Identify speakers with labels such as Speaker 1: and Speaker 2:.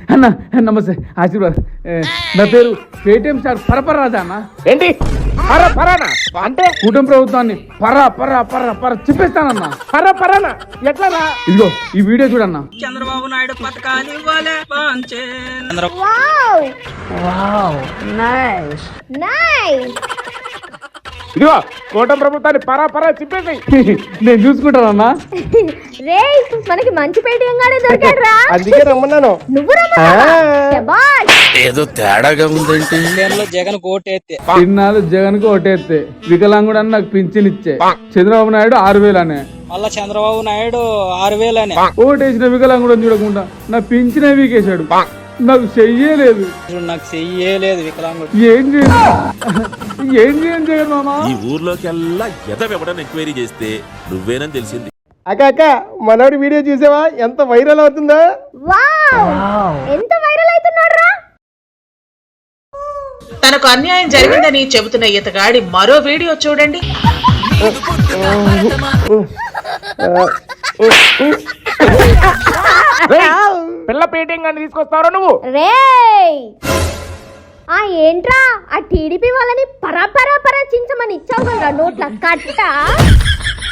Speaker 1: అన్న నమస్తే ఆశీర్వాద్. నా పేరు పేటిఎం స్టార్ పరపరాజా అన్న.
Speaker 2: ఏంటి పరానా అంటే
Speaker 1: కూటమి ప్రభుత్వాన్ని పర చెప్పేస్తానన్న.
Speaker 2: పరానా ఎట్లా రా?
Speaker 1: ఇదిగో ఈ వీడియో చూడన్న.
Speaker 3: చంద్రబాబు నాయుడు పథకాలు ఇవ్వాలే పాంచే
Speaker 2: ఇదిగో కూటమి ప్రభుత్వాన్ని పరా చెప్పేసి
Speaker 1: నేను చూసుకుంటానన్నా.
Speaker 4: రే మనకి మంచి పేటీఎం గానే దొరికాడు రా.
Speaker 2: అందుకే రమ్మన్నాను.
Speaker 4: నువ్వు రమ్మా.
Speaker 5: ఏదో తేడాగా ఉందేంటి.
Speaker 3: జగన్ కోటేస్తే
Speaker 1: ఇన్నాళ్ళు జగన్ కు ఓటేస్తే వికలాంగుడు అని నాకు పింఛన్ ఇచ్చే చంద్రబాబు నాయుడు 6,000 అనే.
Speaker 3: మళ్ళా చంద్రబాబు నాయుడు 6,000 అని
Speaker 1: ఓటేసిన వికలాంగుడు చూడకుండా నా పింఛన్ వీకేశాడు. నాకు చెయ్యలేదు.
Speaker 3: నాకు చెయ్యలేదు వికలాంగుడు.
Speaker 1: ఏం చేయను జగన్ మామ.
Speaker 5: ఈ ఊర్లోకెల్లా ఎదవెవడని ఎంక్వైరీ చేస్తే నువ్వేనని తెలిసింది.
Speaker 2: అక్క మనోడి వీడియో చూసావా ఎంత వైరల్ అవుతుందో?
Speaker 4: ఎంత వైరల్ అవుతున్నాడు రా.
Speaker 6: తనకు అన్యాయం జరిగిందని చెబుతున్న ఇతగాడి మరో వీడియో చూడండి.
Speaker 2: పిల్ల పేటింగ్ అని తీసుకొస్తారో నువ్వు?
Speaker 4: రే ఏంట్రా ఆ టీడీపీ వాళ్ళని పరా చించమని ఇచ్చావు కదా నోట్ల కట్ట.